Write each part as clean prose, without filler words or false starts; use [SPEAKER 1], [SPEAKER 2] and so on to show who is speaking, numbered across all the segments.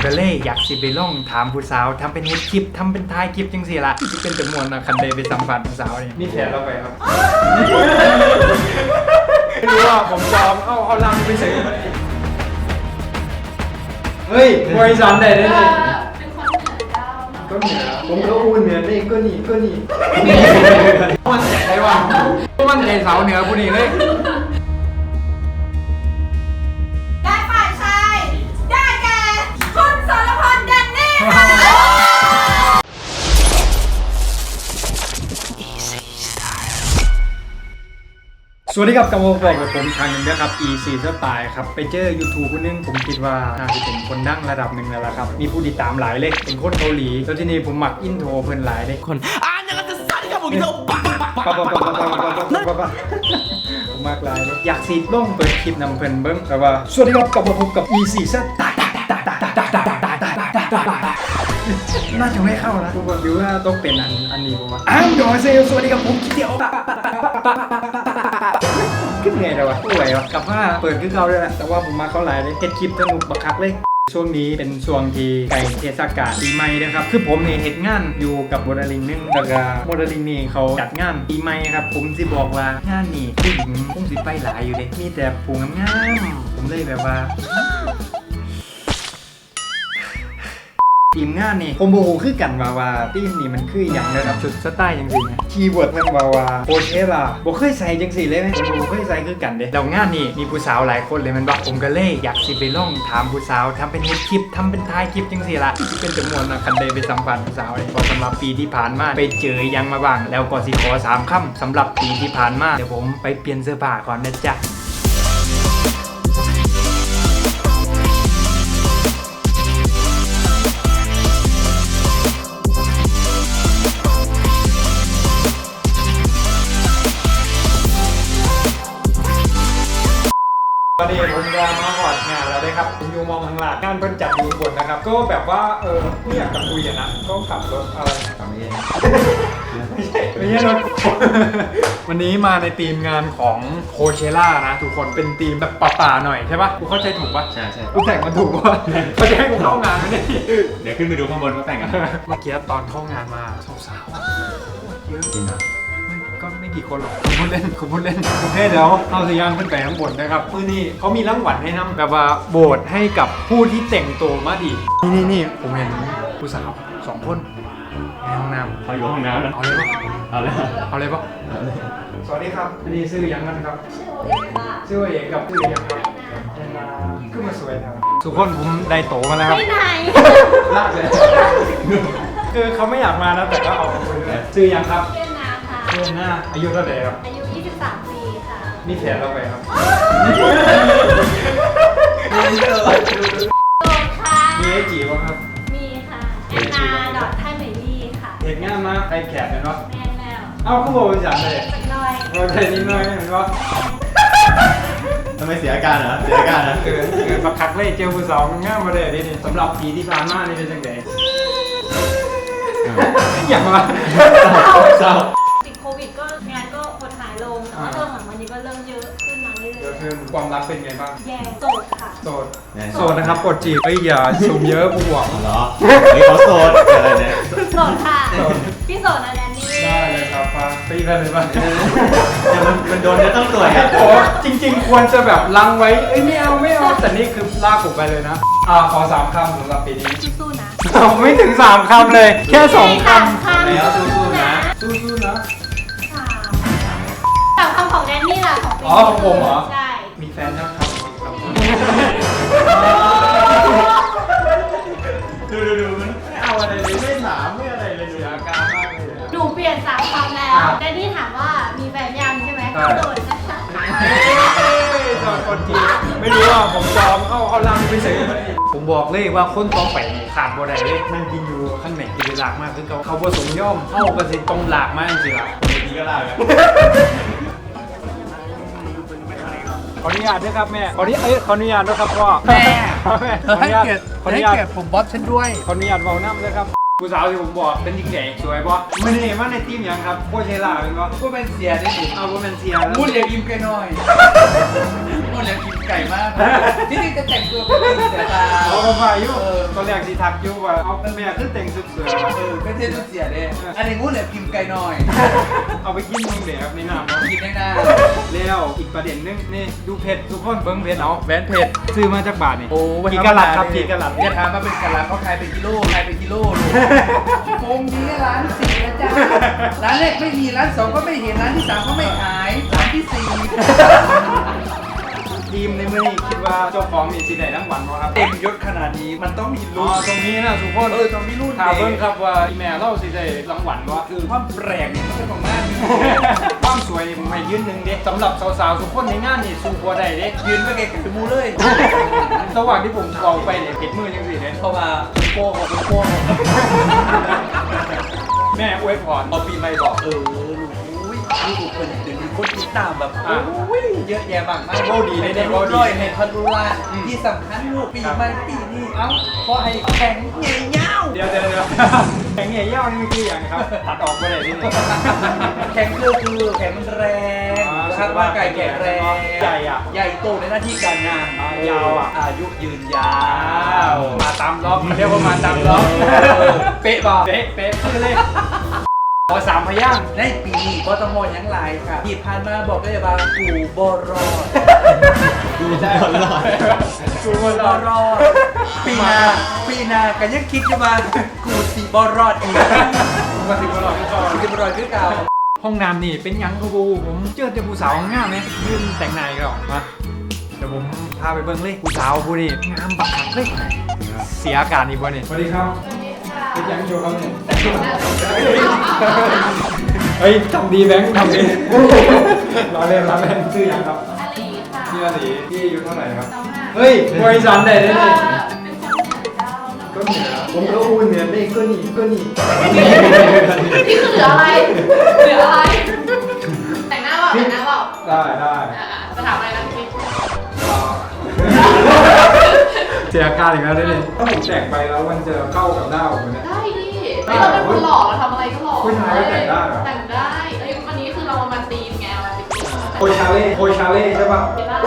[SPEAKER 1] ก็เลยอยากสิไปลองถามผู้สาวทำเป็นเฮ็ดคลิปทำเป็นท้ายคลิปจังซี่ล่ะที่เป็นจำนวนนะคันใดไปสัมผัสผู้สาวนี่แผนเราไปครับไม่รู้ว่าผมจอมเอาลังไปใส่เฮ้ยมวยสันได้เลย
[SPEAKER 2] เป็นคนเหนือเจ้า
[SPEAKER 1] ก็เหนือผมก็พูดเหนือนี่ก็นี่มันใจไรวะมันใจสาวเหนือผู้นี้เลย
[SPEAKER 2] ได้ฝ่ายชายได้แก่คุณสรพลแดนนี่ค่ะ
[SPEAKER 1] สวัสดีครับกำลังบอกกับผมทางหนึ่งนะครับ E4 Style ครับไปเจอ YouTube คนนึงผมคิดว่าน่าจะเป็นคนดังระดับหนึ่งแล้วล่ะครับมีผู้ติดตามหลายเลยเป็นคนเกาหลีแล้วทีนี้ผมมักอินโทรเพิ่นหลายเลยคนยังจะสั่นครับผมอินโทรผมมากหลายเลยอยากสีล่องเปิดคลิปนำเพิ่นเบิ้งแต่ว่าสวัสดีครับกลับมาพบกับ E4 Style น่าจะไม่เข้านะทุกคนดูว่าต้องเป็นอันนี้ผมว่าโดยเซลสวัสดีครับผมคิดเดียวขึ้นไงเลยวะป่วยวะกับว่าเปิดขึ้นเขาด้วยแหละแต่ว่าผมมาเขาหลายเลยเฮ็ดคลิปสนุกบักคักเลยช่วงนี้เป็นช่วงที่ใกล้เทศกาลปีใหม่นะครับคือผมเนี่ยเฮ็ดงานอยู่กับโมเดลลิ่งนึงแต่ก็โมเดลลิ่งนี่เขาจัดงานปีใหม่ครับผมสิบอกว่างานนี่ผู้หญิงคงสิไปหลายอยู่เลยมีแต่ผู้งามๆผมเลยแบบว่าทีมงานนี่ผมโบโหคือกันว่าทีมนี่มันคืออย่างระดับชุดสไตล์จังสินะคีย์เวิร์ดมันว่าโคเชล่าบ่เคยใส่จังสิเลยไหมผมบ่เคยใส่คือกันเด้แล้วงานนี่มีผู้สาวหลายคนเลยมันบอกผมก็เลยอยากสิไปลองถามผู้สาวทำเป็นเฮ็ดคลิปทำเป็นท้ายคลิปจังสิล่ะที่เป็นจำนวนนะคันใดไปสัมผัสผู้สาวพอสำหรับปีที่ผ่านมาไปเจอยังมาบ้างแล้วก็สิขอ3คำสำหรับปีที่ผ่านมาเดี๋ยวผมไปเปลี่ยนเสื้อผ้าก่อนนะจ๊ะวันนี้ผมจะมาหอดงานแล้วได้ครับผมอยู่มองข้างหลังงานเพิ่นจัดอยู่บนนะครับก็แบบว่าไม่อยากกับคุยนะก็ขับรถอะไรขับไม่ใช่รถวันนี้มาในทีมงานของโคเชล่านะทุกคนเป็นทีมแบบป่าๆหน่อยใช่ปะกูเข้าใจถูกปะใช่กูแต่งมาถูกปะเขาจะให้กูเข้างานไหมเนี่ย
[SPEAKER 3] เดี๋ยวขึ้นไปดูข้างบนเขาแต่งกัน
[SPEAKER 1] เมื่อกี้ตอนเข้างานมาสาวๆเยอะจริงนะก็ไม่กี่คนหรอกคุณพูดเล่นโอเคเดี๋ยวเอาสัญญาณขึ้นไปข้างบนนะครับมื้อนี้เขามีรางวัลให้นำแบบว่าโบสให้กับผู้ที่แต่งตัวมาดีนี่ผมเห็นผู้สาว2คนในห้องน้ำ
[SPEAKER 3] เขาอยู่ห้องน้ำนะ
[SPEAKER 1] เอาเลยปะ
[SPEAKER 3] เอาเลย
[SPEAKER 1] ปะสวัสดีครับอันนี้ชื่อยังกันครับชื่อเอกกับชื่อยังครับขึ้นมาสวยนะทุกคนผมได้โตมาแล้วครับ
[SPEAKER 2] ไปไหน
[SPEAKER 1] ลากเลยคือเขาไม่อยากมานะแต่ก็เอาไปเลยชื่อยังครับเดือนหน้าอายุเท่าไหร่ครับ
[SPEAKER 2] อายุ23 ปีค่ะ
[SPEAKER 1] มีแผนเราไปครับ
[SPEAKER 2] โสดค่ะ
[SPEAKER 1] มีไอจีบ้างครับ
[SPEAKER 2] มีค่ะนา.ไทยเหมยลี่ค่ะ
[SPEAKER 1] เห็นงานมาไอแขกเห็นปะ
[SPEAKER 2] แม่แล้ว
[SPEAKER 1] เอ้าเขาบอกเป็นฉันเลย
[SPEAKER 2] สักหน่อย
[SPEAKER 1] โอเคนิดหน่อยเห็นปะ
[SPEAKER 3] ทำไมเสียอาการเหรอเสียอาการนะ
[SPEAKER 1] บักคักเลยเจลผู้สาวมันง่ายมาเลยนี่สำหรับปีที่ผ่านมานี่เป็นยังไงอย่างว่า
[SPEAKER 3] เศร้า
[SPEAKER 2] ติดโควิดก็งานก็หดหายลงแต่ว่าเริ่มหลังวันนี้ก็เริ่มเยอะขึ้นมาเรื่อยๆ
[SPEAKER 1] คือความรักเป็นไงบ้าง
[SPEAKER 2] แย่โสดค่ะ
[SPEAKER 1] โสดนะครับกดจีบเฮ้ยอย่าซูมเยอะผู้หวัง
[SPEAKER 3] เหรอนี่เขาโสดอะไรเนี่ย
[SPEAKER 2] โสดค่ะพี่โสดนะแดนนี่
[SPEAKER 1] ได้เลยครับป้าตีกันเลยป่ะ
[SPEAKER 3] มันโดนจะต้องตรวจครับ
[SPEAKER 1] โอ้จริงๆควรจะแบบลังไว้เอ้ยไม่เอาแต่นี่คือลากผมไปเลยนะขอ3 คำสำหรับปีนี้
[SPEAKER 2] สู้ๆนะ
[SPEAKER 1] ไม่ถึง3 คำเลยแค่2 คำ
[SPEAKER 3] แล้วสู้ๆนะ
[SPEAKER 1] สู้ๆนะ
[SPEAKER 2] 3 คำของแดนนี่ล่ะของปี
[SPEAKER 1] ของผมเหรอ
[SPEAKER 2] ใช่
[SPEAKER 1] มีแฟนยังครับ
[SPEAKER 3] ดูมันไม่เอาอะไรเลยไม่ถามไม่อะไรเลยดูอาการมากเลย
[SPEAKER 2] หนูเปลี่ยน3 คำแล้วแดนนี่ถามว่ามีแฟนยังใช่ไหมโดนนะคะ
[SPEAKER 1] โดนคนจีไม่รู้ว่าผมจอมเอาลังไปใส่ผมบอกเลยว่าคนต้องไปขาดบ่ได้เลยนั่งกินอยู่ข้างในกินหลากมากคือเขาผสมย่อมเข้ากระสิตรงหลากมากจริงๆล่ะ
[SPEAKER 3] ดีก็ลาก
[SPEAKER 1] ขออนุญาตด้วยครับแม่ขออนุญาตด้วยครับพ่อ
[SPEAKER 4] แม่ให้เกียรติผมบอสฉันด้วย
[SPEAKER 1] ขออนุญาตเบาน้ำด้วยครับผู้สาวที่ผมบอกเป็นหญิงใหญ่สวยป่ะไม่ได้มาในทีมยังครับโคเชล่าเป็นป่ะ
[SPEAKER 4] ก็เป็นเสียได้ดิ
[SPEAKER 1] เอาเป็นเสีย
[SPEAKER 4] พูดเรียกยิ้มแกหน่อยคนอยากกินไก่มากที่นี่จะแต่งตัวเป็นเสือตา
[SPEAKER 1] เอามาฝ่ายอยู่ตอนแรกที่ทักอยู่ว่าเอาแม่ขึ้นแต่งสุดเสือ
[SPEAKER 4] ก็เท่ทุกเสียเลยอันนี้งูเหลือกินไก่หน่อย
[SPEAKER 1] เอาไปกินมึงเดี๋ยวในน้ำ
[SPEAKER 4] กินได้หน้า
[SPEAKER 1] แล้วอีกประเด็นนึงนี่ดูเพชรทุกคนเบิ้งเพชรเอา
[SPEAKER 4] แหวนเผ็ด
[SPEAKER 1] ซื้อมาจากบาทนี่
[SPEAKER 4] โอ้
[SPEAKER 1] กี่กะลัดครับกี่กะลัด
[SPEAKER 4] อย่าถามมาเป็นกะลัดเขาขายเป็นกิโลขายเป็นกิโลโมงนี้ร้านสี่นะจ๊ะร้านแรกไม่มีร้านสองก็ไม่เห็นร้านที่สามก็ไม่ขายร้านที่สี่
[SPEAKER 1] ทีมในมือนี้คิดว่าเจ้าของมีสีใดทั้งวันวะครับ
[SPEAKER 4] เต็มยศขนาดนี้มันต้องมี
[SPEAKER 1] อ๋อ
[SPEAKER 4] รุ่น
[SPEAKER 1] ตรงนี้นะทุกคน
[SPEAKER 4] ต้องมีรุ่น
[SPEAKER 1] ถามเบิ้งครับว่าอีแม่เล่าสีใดรางวัลวะ
[SPEAKER 4] คือความแปลกเนี่ยมันเป็นของมาก
[SPEAKER 1] ความสวยนี่ผมให้ยืนหนึ่งเด้สำหรับสาวๆทุกคนในงานนี่สู้บัวได้เด้
[SPEAKER 4] ยืนไปเกะกับมูเลย
[SPEAKER 1] ระหว่างที่ผมเอาไปเนี่ยเผ็ดมือยังสิเนี่ย
[SPEAKER 4] เข้ามาเป็นโป้ของเป็นโป้
[SPEAKER 1] แม่อวยพร
[SPEAKER 4] เอาปีใหม่บอกลูกอุ้ยลูกคนเดี๋ยวมีคนติดตามแบบโอ้ยเยอะแยะมากมายในรูปร้อยในพันรูล้านที่สำคัญลูกปีใหม่ปีนี้เอ้าเพราะไอ้แข็งใหญ่ยาว
[SPEAKER 1] เดี๋ยวแข็งใหญ่เย่านี่มันคืออย่างครับตัดออกไปเลยที่นี่
[SPEAKER 4] แข็งคือแข็งมันแรงคาดว่าไก่แข็งแรง
[SPEAKER 1] ใหญ่อะ
[SPEAKER 4] ใหญ่โตในหน้าที่การงาน
[SPEAKER 1] ยาวอะ
[SPEAKER 4] อายุยืนยาว
[SPEAKER 1] มาตามล็อกเรียกว่ามาตามล็อกเป๊ะป่ะเป๊ะคือเลขขอ3 พยางค์
[SPEAKER 4] ในปีนี้ก็ต้องมองยังไรค่ะที่ผ่านมาบอกได้ว่ากูบอรอด
[SPEAKER 1] ดูได้หลอดกูบอล
[SPEAKER 4] บอรอดปีหนาก็ยังคิดอยู่ว่ากูสีบอรอดอีก
[SPEAKER 1] มาถึงบอลที่ก่อน
[SPEAKER 4] กูจะบอรอดคือเก่า
[SPEAKER 1] ห้องน้ำนี่เป็นยังครับบูผมเจอแต่ผู้สาวงามไหมยืนแต่งนายก็มาเดี๋ยวผมพาไปเบิ้งเลยผู้สาวผู้นี่งามบักคักเลยเสียอากาศอีกบ่นี่สวัสดีครับเป็นยังอยู่ครับเนี่ยเฮ้ยทำดีแบงค์ทำดีรอเล่นชื่อยังครับ
[SPEAKER 2] อลีค่ะ
[SPEAKER 1] ชื่ออาลีพี่อายุเท่าไหร่ครับ
[SPEAKER 2] 25
[SPEAKER 1] เฮ้ยบริษัทไหนได้เนี่ย
[SPEAKER 2] เป็นคนเหนือเจ้า
[SPEAKER 1] ก็เหนือผมก็อู้เหนือได้ก็นี่
[SPEAKER 2] นี่คือเหลืออะไร เหลืออะไร แต่งหน้าเปล่าแต่งหน้าเปล่า
[SPEAKER 1] ได้
[SPEAKER 2] จะถามอะไรนะพี่
[SPEAKER 1] เสียอาการอีกแล้วได้เลยถ้าผมแต่งไปแล้วมันจะเข้ากับหน้าผมเนี่ย
[SPEAKER 2] ได้ดิเราเป็นคนหล่อเราทำอะไรก็หล่อ
[SPEAKER 1] ผู้ชายก็แต่งได้เหรอ
[SPEAKER 2] แต่งได้เอ้ยวันนี้คือเรามาตีมไงเรามาตีม
[SPEAKER 1] โคชาเล่ใช่ปะ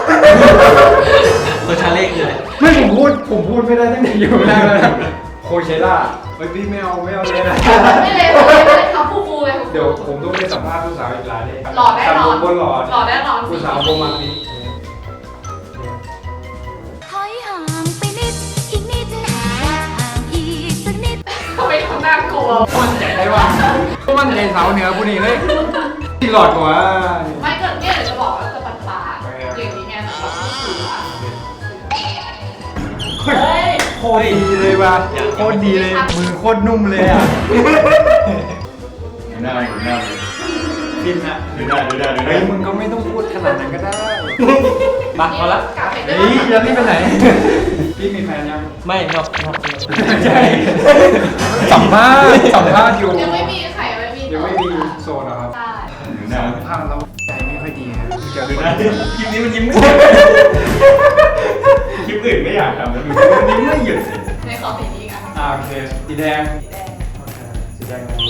[SPEAKER 4] ตัวชาเล็กเลย
[SPEAKER 1] ไม่ผมพูดไม่ได้ตั้งแต่อยู่แรกแล้วนะโคเชล่าเฮ้ยพี่ไม่เอาเลยนะ
[SPEAKER 2] ไม่เลยไม่เลยเขาฟูๆเลย
[SPEAKER 1] เดี๋ยวผมต้องไปสัมภาษณ์ผู้สาวอีกหลายเลย
[SPEAKER 2] หล่อแน่นอน
[SPEAKER 1] บนหล่อ
[SPEAKER 2] หล่อแน่นอน
[SPEAKER 1] ผู้สาวประมาณนี้
[SPEAKER 5] ถอยห่างไปนิด อีกนิดห่างอีกสักนิด
[SPEAKER 2] ทำไมทำหน้ากลัว
[SPEAKER 1] มั่นใจได้ว่ามั่นใจสาวเหนือผู้นี้เลยที่หลอดกว่า
[SPEAKER 2] ไม่เกิดเนี่ยเดี๋ยวจะบอกว่าจะปัดปากอย่างนี้ไงสำหรับผู้สื่อเฮ้ย
[SPEAKER 1] โคตรดีเลยว่ะโคตรดีเลยมือโคตรนุ่มเลยอ่ะ
[SPEAKER 3] หน้าอยู่หน้าเลย
[SPEAKER 1] กินอ่ะ
[SPEAKER 3] ดูหน้า
[SPEAKER 1] เฮ้ยมึงก็ไม่ต้องพูดขนาดนั้นก็ได้มาพอละ
[SPEAKER 2] กลับไปได้
[SPEAKER 1] เฮ้ยจะรีบไปไหนพี่มีแฟนยัง
[SPEAKER 4] ไม่ครับ
[SPEAKER 1] ใช่สัมภาษณ์อยู่
[SPEAKER 2] ยังไม่มีใครไม่มี
[SPEAKER 1] ยังไม่มีโซนเหรอครับ
[SPEAKER 2] ใช่
[SPEAKER 3] ดูหน้า
[SPEAKER 1] สัมภาษณ์แล้วใจไม่ค่อยดีครับเจอ
[SPEAKER 3] ดู
[SPEAKER 1] ค
[SPEAKER 3] ห
[SPEAKER 1] น
[SPEAKER 3] น้าคลิปนี้มันยิ้มไม่คลิปอื่นไม่อยากทำแล้วดูมันยิ้มไม่หยุด
[SPEAKER 2] ในขอสีนี้กัน
[SPEAKER 1] โอเคสีแดง
[SPEAKER 2] สีแดง
[SPEAKER 1] สีแดงอะไร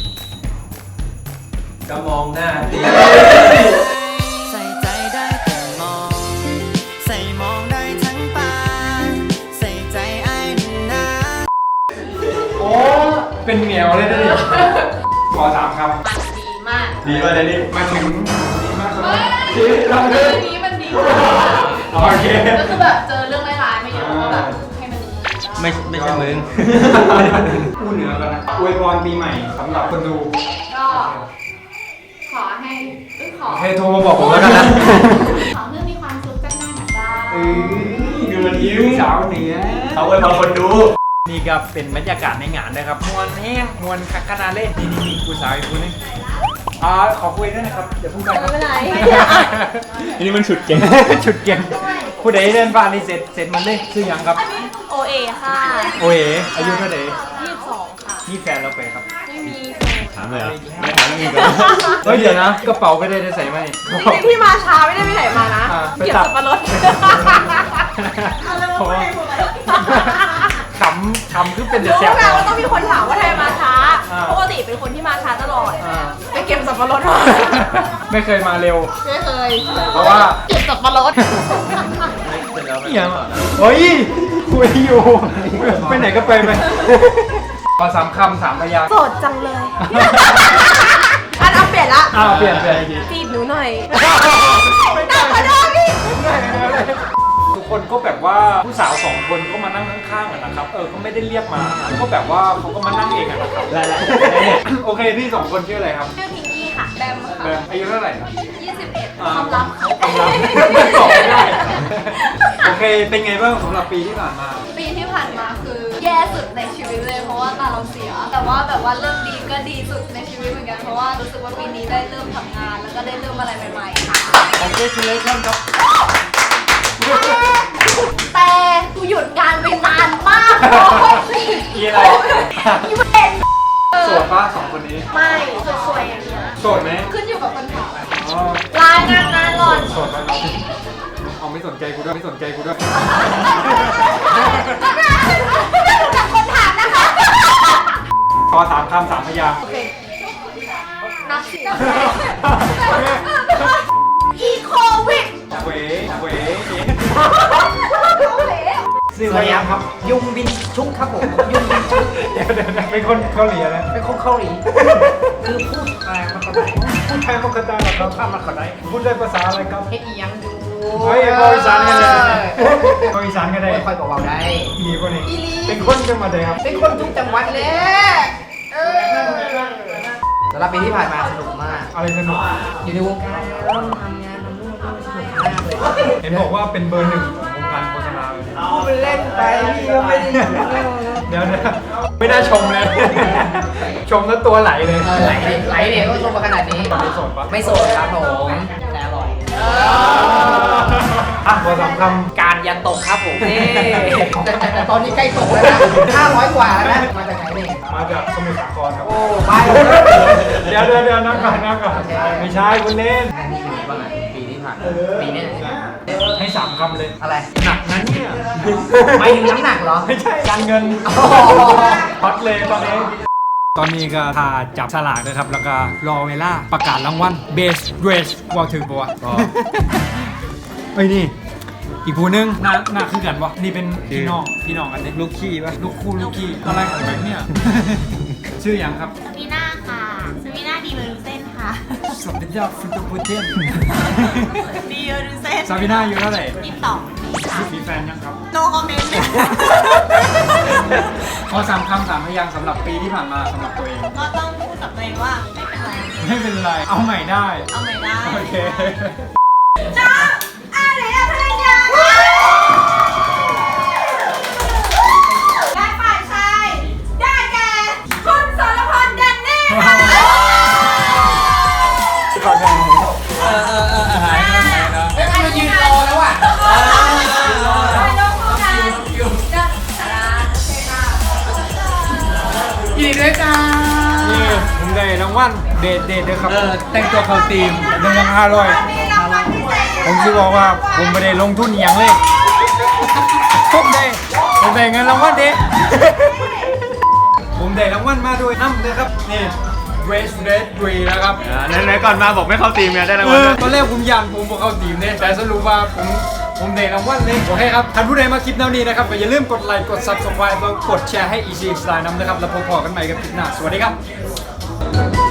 [SPEAKER 4] ก็มองหน้าดี
[SPEAKER 6] ใส่ใจได้แต่มอง ใส่มองได้ทั้งตา ใส่ใจไอ้หนึ่งนะ
[SPEAKER 1] โอ้เป็นเหมียวเลยนะดิขอ3 คำ
[SPEAKER 2] มันดีมาก
[SPEAKER 3] ดีป่ะเนี่ยนี่
[SPEAKER 1] มาถึงดีมากครับ
[SPEAKER 2] เฮ้ย
[SPEAKER 1] ที่เราเดิน
[SPEAKER 2] นี้มันดี
[SPEAKER 1] โอเค
[SPEAKER 2] ก็คือแบบเจอเรื่องร้ายๆมาเยอะก็แบบให้มัน
[SPEAKER 4] ไม่ใช่มึง
[SPEAKER 1] พูดเหนือกันนะอวยพรปีใหม่สำหรับคนดู
[SPEAKER 2] ก็ขอให้ขอ
[SPEAKER 1] ให้โทรมาบอกผมแล้วกันนะ
[SPEAKER 2] ขอเรื่องมีความสุขจังหน้าหนักได้
[SPEAKER 3] ดูมันยิ้ม
[SPEAKER 1] สาวเหนือ
[SPEAKER 3] เอาไว้พอคนดู
[SPEAKER 1] นี่ก็เป็นบรรยากาศในงานนะครับมวลแห้งมวลคักขนาดเล่นนี่ผู้สาวอีกคนนึงขอคุยด้วยนะครับเดี๋ยวพูดไปครับ
[SPEAKER 2] ไม่เป็นไร
[SPEAKER 3] อันนี้มันฉุดเก่ง
[SPEAKER 1] ชุดเก่งผู้ใดเดินผ่านนี่เสร็จมันเลยชื่อยังครับ
[SPEAKER 5] โอเอค่ะ
[SPEAKER 1] โอ้ยอายุเท่าไหร่
[SPEAKER 5] 22 ค่ะ
[SPEAKER 1] นี่แฟนเราไปครับ
[SPEAKER 5] ไม่มี
[SPEAKER 3] ถามเลยอ่ะไม่ถามแล้วมีก่อน
[SPEAKER 1] เฮ้ยเดี๋ยวนะกระเป๋าไม่ได้ใส่ไหม
[SPEAKER 2] จริงๆที่มาช้าไม่ได้ไปไหนมานะ
[SPEAKER 1] ไป
[SPEAKER 2] เก็บ
[SPEAKER 1] ตัด
[SPEAKER 2] สับปะรด
[SPEAKER 1] เพราะว่าขำคือเป็นเดือด
[SPEAKER 2] รู้
[SPEAKER 1] แซ่บ
[SPEAKER 2] ไงว่าต้องมีคนถามว่าทำไมมาช้า
[SPEAKER 1] อ่า
[SPEAKER 2] ปกติเป็นคนที่มาช้าตลอด
[SPEAKER 1] อ่า
[SPEAKER 2] ไปเก็บสับปะรดมา
[SPEAKER 1] ไม่เคยมาเร็ว
[SPEAKER 2] ไม่เคย
[SPEAKER 1] เพราะว่า
[SPEAKER 2] เก็บสับปะรด
[SPEAKER 1] อย่างเฮ้ยคุยอยู่ไปไหนก็ไปขอ3 คำ 3 พยางค์
[SPEAKER 2] โสดจังเลยอันเอาเปลี่ยนละ
[SPEAKER 1] เปลี่ยน
[SPEAKER 2] จีบหนูหน่อยน่าขอโทษพี่
[SPEAKER 1] ทุกคนก็แบบว่าผู้สาว2 คนก็มานั่งข้างๆกันนะครับก็ไม่ได้เรียกมาก็แบบว่าเขาก็มานั่งเองอะนะครับโอเคพี่2 คนชื่ออะไรครับ
[SPEAKER 2] ชื่อพิงกี้ค่ะแบม
[SPEAKER 1] แบมอายุเท่าไหร่ครับ
[SPEAKER 2] 21ความลับ
[SPEAKER 1] ความลับไม่บอกไม่ได้โอเคเป็นไงบ้างสำหรับปีที่ผ่านมา
[SPEAKER 7] ปีที่ผ่านมาคือแย่สุดในชีวิตเลยเพราะว่าตาเราเสีย แต่ว่าแบบว่าเริ่มดีก็ดีสุดในชีวิตเหมือนกันเพราะว่ารู้สึกว่าปีนี้ได้เริ่มทำงาน แล้วก็ได้เริ่มอะไรใหม่ๆค่ะ
[SPEAKER 1] Congratulations ครับ
[SPEAKER 7] แต่กูหยุดงานไปนานมากเลย
[SPEAKER 1] อีอะไร
[SPEAKER 7] อีเวนต์
[SPEAKER 1] โสดป้า2 คนนี้
[SPEAKER 7] ไม่สวยๆอย่างเงี้ย
[SPEAKER 1] โสดไหม
[SPEAKER 7] ขึ้นอยู่กับคนถาม
[SPEAKER 1] อ๋อ
[SPEAKER 7] ลางานงานหล่อน
[SPEAKER 1] โสดแล้วเอาไม่สนใจกูด้วยไม่สนใจกูด้วย
[SPEAKER 7] กับคนถามนะคะ
[SPEAKER 1] ขอ3 คำ 3 พยางค์
[SPEAKER 7] โอเคนับสิอีโควิด
[SPEAKER 1] เว
[SPEAKER 4] สวัสดีครับยุงบินชุกครับผมยุงบินชุก
[SPEAKER 1] เดี๋ยวเป็นคนเกาหลีนะ
[SPEAKER 4] เป็นคนเกาหลีคือพูดอะไรมันก็ได้
[SPEAKER 1] พูดไทยปกติเหรอครับ
[SPEAKER 4] ถ้ามันก็ได้
[SPEAKER 1] พูดได้ภาษาอะไรครับ
[SPEAKER 4] เฮ็ดอีหยังอยู่
[SPEAKER 1] เฮ้ยเขาอีสานกันเลยเขาอีสานกันเลย
[SPEAKER 4] ไม่ค่อยบอกว่าได้
[SPEAKER 1] อีลีคนนี้เป็นคนจังหวัดไหนครับ
[SPEAKER 4] เป็นคนทุกจังหวัดเลยสำหรับปีที่ผ่านมาสนุกมาก
[SPEAKER 1] อะไรสนุก
[SPEAKER 4] อยู่ในวงการแล้วทำงานทำนู่นทำนี่สนุกมากเลย
[SPEAKER 1] เห็นบอกว่าเป็นเบอร์ 1ของวงการโฆษณาเลย
[SPEAKER 4] พูดเป็นเล่นไปพี่ก็ไม่ได้อยู่
[SPEAKER 1] เดี๋ยวไม่น่าชมเลย ชมแล้วตัวไหลเลย
[SPEAKER 4] ไหลเด็กก็ชมมาขนาดนี้
[SPEAKER 1] ไม่โสดปะ
[SPEAKER 4] ไม่โสดครับผมแต่อร่อย
[SPEAKER 1] ขอ3 คำ
[SPEAKER 4] การยันตกครับผมแต่ตอนนี้ใกล้ตกแล้วนะ500 กว่าแล้วนะมาจากไหนเนี่ย
[SPEAKER 1] มาจากสมุทรสาครครับ
[SPEAKER 4] โอ้ไป
[SPEAKER 1] เดี๋ยวนั่งก่อนไม่ใช่คุณเล่น
[SPEAKER 4] ปีที่ผ่านปีนี้
[SPEAKER 1] ให้ 3 คำเลย
[SPEAKER 4] อะไร
[SPEAKER 1] หนักนั้นเนี่ย
[SPEAKER 4] ไม่ถึงน้ำหนักเหรอ
[SPEAKER 1] ไม่ใช่การเงินฮอตเลยตอนนี้ ตอนนี้ก็พาจับฉลากนะครับ แล้วก็รอเวลาประกาศรางวัล Best Dress ว่าถึงปะวะไอ้ยนี่ อีกผู้นึงหน้าคือกันวะนี่เป็นพี่น้องกันเนี่ยลูกขี้ปะลูกขี้อะไรของแบงค์เนี่ย ชื่ออย่างครับ
[SPEAKER 7] สวีน่าค่ะสวีน่าดีเวอร์เซนค่ะ
[SPEAKER 1] สัปดาห์ฟิตโปเทน
[SPEAKER 7] ดีเวอร์เซน
[SPEAKER 1] ซาบิน่าอยู่เท่าไหร่
[SPEAKER 7] 22
[SPEAKER 1] มีแฟนยังครับ
[SPEAKER 7] no comment
[SPEAKER 1] ขอ3 คำ 3 พยางค์สำหรับปีที่ผ่านมาสำหรับตัวเอง
[SPEAKER 7] ก็ต้องพูดกับตัวเองว่าไม่เป็นไร
[SPEAKER 1] ไม่เป็นไร เอาใหม่ได้
[SPEAKER 7] เอาใหม่ได้
[SPEAKER 1] โอเค
[SPEAKER 2] น้องอะไรอะภรรยาและฝ่ายชายได้แก่คุณสรพลแดนนี่ค่ะ
[SPEAKER 1] ก่อนหน้านี้หายแล้วนะ
[SPEAKER 4] เรายืนรอแล้วอ่ะ ยินดีด้วยจ้า
[SPEAKER 1] นี่ผมได้รางวัลเดทด้วยครับ
[SPEAKER 4] แต่งตัวเข้าทีม
[SPEAKER 1] 1,500
[SPEAKER 2] มีรางวัลพิเศษ
[SPEAKER 1] ผมคิดว่าผมไม่ได้ลงทุนอหย่างเลยผมได้เงินรางวัลเด็ผมได้รางวัลมาด้วยน้ำนะครับนี่ Race Red 3นะครับ
[SPEAKER 3] ไหนๆก่อนมาบอกไม่เข้าทีมไงได้รางวัลด้วย
[SPEAKER 1] ตอนแรกผมยันผมบอกเข้าทีมเนี่ยแต่สรุปว่าผมได้รางวัลเลยโอเคครับท่านผู้ใดมาคลิปแนวนี้นะครับก็อย่าลืมกดไลค์กด Subscribe แล้วกดแชร์ให้ Easy Style นำนะครับแล้วพบกันใหม่กับคลิปหน้าสวัสดีครับ